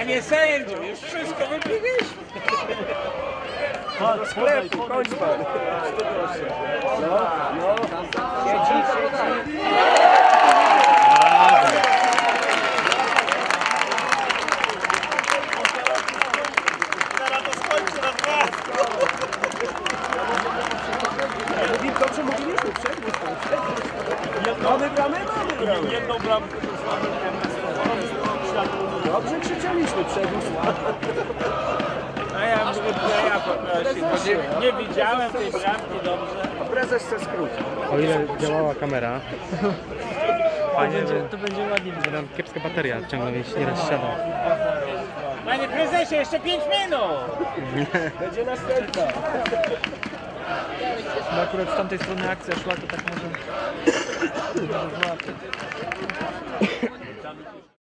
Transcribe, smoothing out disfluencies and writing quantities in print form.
Panie sędziu, już wszystko wypiliśmy. Do sklepu, kończ pan. No. Siedzi. Teraz to skończy na 2. Dobrze mówiliśmy, przegryź pan. Mamy bramę. Jedną bramkę Dobrze krzyczeliśmy, przegryź pan. A ja mówię, że ja poprosił. Nie widziałem tej bramki dobrze. Prezes chce skrócić. O ile działała kamera, fajnie, To będzie ładnie. że nam kiepska bateria ciągle nie rozsiada. Panie prezesie, jeszcze 5 minut. Będzie następna. Bo akurat z tamtej strony akcja szła, to tak może...